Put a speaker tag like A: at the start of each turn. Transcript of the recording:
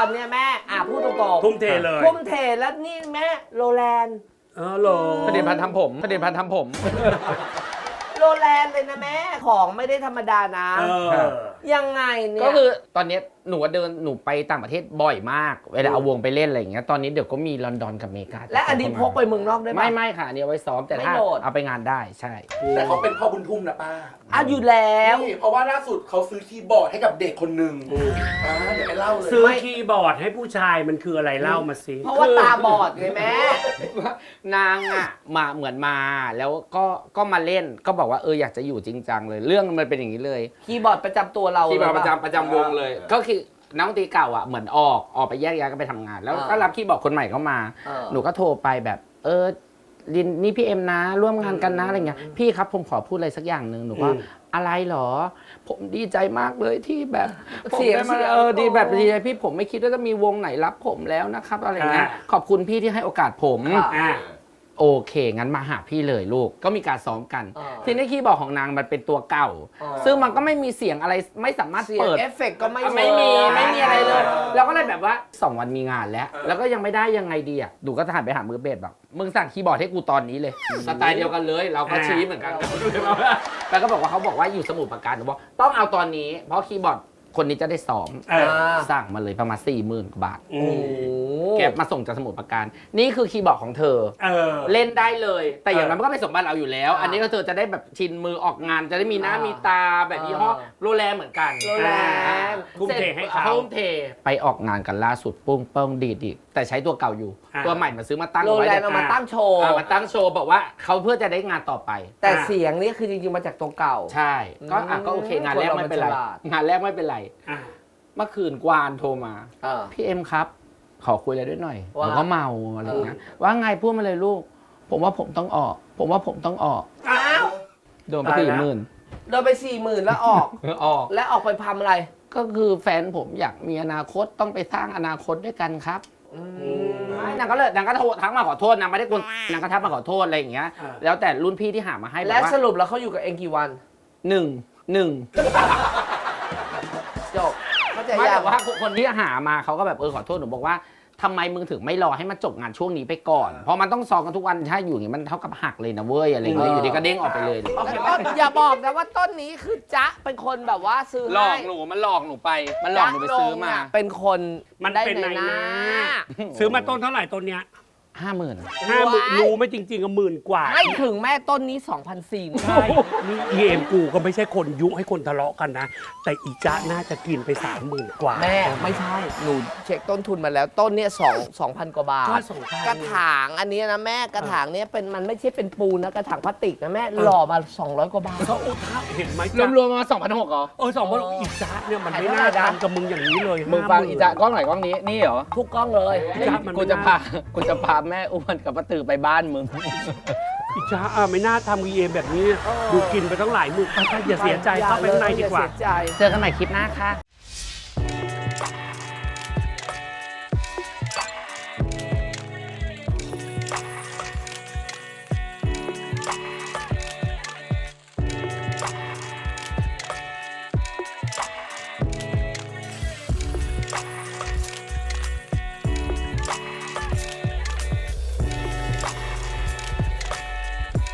A: อนเนี่ยแม่พูดตรงๆ
B: ทุ่มเทเลย
A: ทุ่มเทแล้วนี่แม่โรแลนด์
B: โล
C: ผลิตภัณฑ์ทำผมผลิตภัณฑ์ทำผม
A: โรแลนด์เลยนะแม่ของไม่ได้ธรรมดานะยังไงเนี่ย
C: ก็คือตอนนี้หนูไปต่างประเทศบ่อยมากเวลาเอาวงไปเล่นอะไรอย่างเงี้ยตอนนี้เดี๋ยวก็มีลอนดอนกับอเมริกา
A: และอันนี้พกไปเมืองนอกได้ไหม
C: ไม่ค่ะอันนี้เอาไว้ซ้อมแต่ถ้าเอาไปงานได้ใช่
D: แต่เขาเป็นพ่อบุญทุ่มนะป้า
A: อยู่แล้ว
D: นี่เพราะว่าล่าสุดเขาซื้อคีย์บอร์ดให้กับเด็กคนหนึ่งเดี๋ยวไปเล่าเลย
B: ซื้อคีย์บอร์ดให้ผู้ชายมันคืออะไรเล่ามาสิ
A: เพราะว่าตาบอดไงแม่
C: นางมาเหมือนมาแล้วก็มาเล่นก็บอกว่าอยากจะอยู่จริงจังเลยเรื่องมันเป็นอย่างนี้เลย
A: คีย์บอร์ดประจำตัวเรา
C: คีย์บอร์ดประจำวงเลยก็คือนักดนตรีเก่าเหมือนออกไปแยกย้ายกันไปทำงานแล้วก็รับคีย์บอร์ดคนใหม่เข้ามาหนูก็โทรไปแบบลินนี่พี่เอ็มนะร่วมงานกันนะอะไรเงี้ยพี่ครับผมขอพูดอะไรสักอย่างหนึ่งหนูก็อะไรหรอผมดีใจมากเลยที่แบบ
A: เสียง
C: ดีแบบดีใจพี่ผมไม่คิดว่าจะมีวงไหนรับผมแล้วนะครับอะไรเงี้ยขอบคุณพี่ที่ให้โอกาสผมโอเคงั้นมาหาพี่เลยลูกก็มีการซ้อมกันทีนี้คีย์บอร์ดของนางมันเป็นตัวเก่าซึ่งมันก็ไม่มีเสียงอะไรไม่สามารถเปิด
A: เอฟเฟกต์ก็ไม่
C: มีอะไรเลยเราก็เลยแบบว่า2 วันมีงานแล้วก็ยังไม่ได้ยังไงดีดูก็ถ่ายไปหามือเบสแบบมึงสั่งคีย์บอร์ดให้กูตอนนี้เลยสไตล์เดียวกันเลยเราก็ชี้เหมือนกันแล้วก็บอกว่าเขาบอกว่าอยู่สมุทรปราการหนูบอกต้องเอาตอนนี้เพราะคีย์บอร์ดคนนี้จะได้ซ้อมสั่งมาเลยประมาณ40,000 กว่าบาทแกมาส่งจากสมุทรปราการนี่คือคีย์บอร์ดของเธอเล่นได้เลยแต่อย่างนั้นมันก็เป็นสมบัติเราอยู่แล้วอันนี้ก็เธอจะได้แบบชินมือออกงานจะได้มีหน้ามีตาแบบยี่ห้อโรแลนด์เหมือนกัน
A: โรแลนด์
B: ทุ่มเทให้เขา
C: ทุ่มเทไปออกงานกันล่าสุดปุ้งเปิ้งดีดอีกแต่ใช้ตัวเก่าอยู่ตัวใหม่มาซื้อมาตั้ง
A: โรแลนด์เอามาตั้งโชว์
C: บอกว่าเขาเพื่อจะได้งานต่อไป
A: แต่เสียงนี่คือจริงๆมาจากตัวเก่า
C: ใช่ก็โอเคงานแรกไม่เป็นไรงานแรกไม่เป็นไรเมื่อคืนกวานโทรมาพี่เอ็มครับขอคุยอะไรด้วยหน่อยผมก็เมาอะไรเงี้ยว่าไงพูดมาเลยลูกผมว่าผมต้องออกโดนไป40,000
A: โดนไป40,000แล้วออกแล้วออกไปทำอะไร
C: ก็คือแฟนผมอยากมีอนาคตต้องไปสร้างอนาคตด้วยกันครับนางก็โทรทั้งมาขอโทษนางไม่ได้กวนนางก็ทักมาขอโทษอะไรอย่างเงี้ยแล้วแต่รุ่นพี่ที่หามาให้
A: และสรุปแล้วเขาอยู่กับเองกี่วันจบ
C: ไม่แต่ว่าคนที่หามาเขาก็แบบขอโทษหนูบอกว่าทำไมมึงถึงไม่รอให้มันจบงานช่วงนี้ไปก่อนเพราะมันต้องซ้อมกันทุกวันถ้าอยู่อย่างนี้มันเท่ากับหักเลยนะเว้ยอะไรอย่างเงี้ยอยู่ดีก็เด้งออกไปเลย
A: อย่าบอกนะว่าต้นนี้คือจ๊ะเป็นคนแบบว่าซื้อให้
C: หลอกหนูมันหลอกหนูไปซื้อมา
A: เป็นคน
B: มันได้ในหน้าซื้อมาต้นเท่าไหร่ต้นเนี้ย50,000รู้ไม่จริงๆก็10,000 กว่า
A: ไม่ถึงแม่ต้นนี้ 2,400
B: ใช่นี่กูก็ไม่ใช่คนยุให้คนทะเลาะกันนะแต่อีจ๊ะน่าจะกินไป30,000 กว่า
A: แม่ไม่ใช่หนูเช็คต้นทุนมาแล้วต้นเนี้ย2,000 กว่าบาทกระถางอันนี้นะแม่กระถางเนี้ยเป็นมันไม่ใช่เป็นปูนนะกระถางพลาสติกนะแม่หล่อมา200 กว่าบาท
B: เขาเห็นไหม
C: รวมมา2,600เหรอ
B: 2,600อีจ๊ะเนี่ยมันไม่น่าทำกับมึงอย่างนี้เลย
C: มึงฟังอีจ๊ะกล้องไหนกล้องนี้นี่เหรอ
A: ทุกกล้องเลย
C: กูจะพาแม่อ้วนกับป้าตือไปบ้านมึง
B: อีจ้าไม่น่าทำVMแบบนี้ดูกินไปตั้งหลายหมื่นอย่าเสียใจเข้าไปข้างในดีกว่า
C: เจอกันใหม่คลิปหน้าค่ะ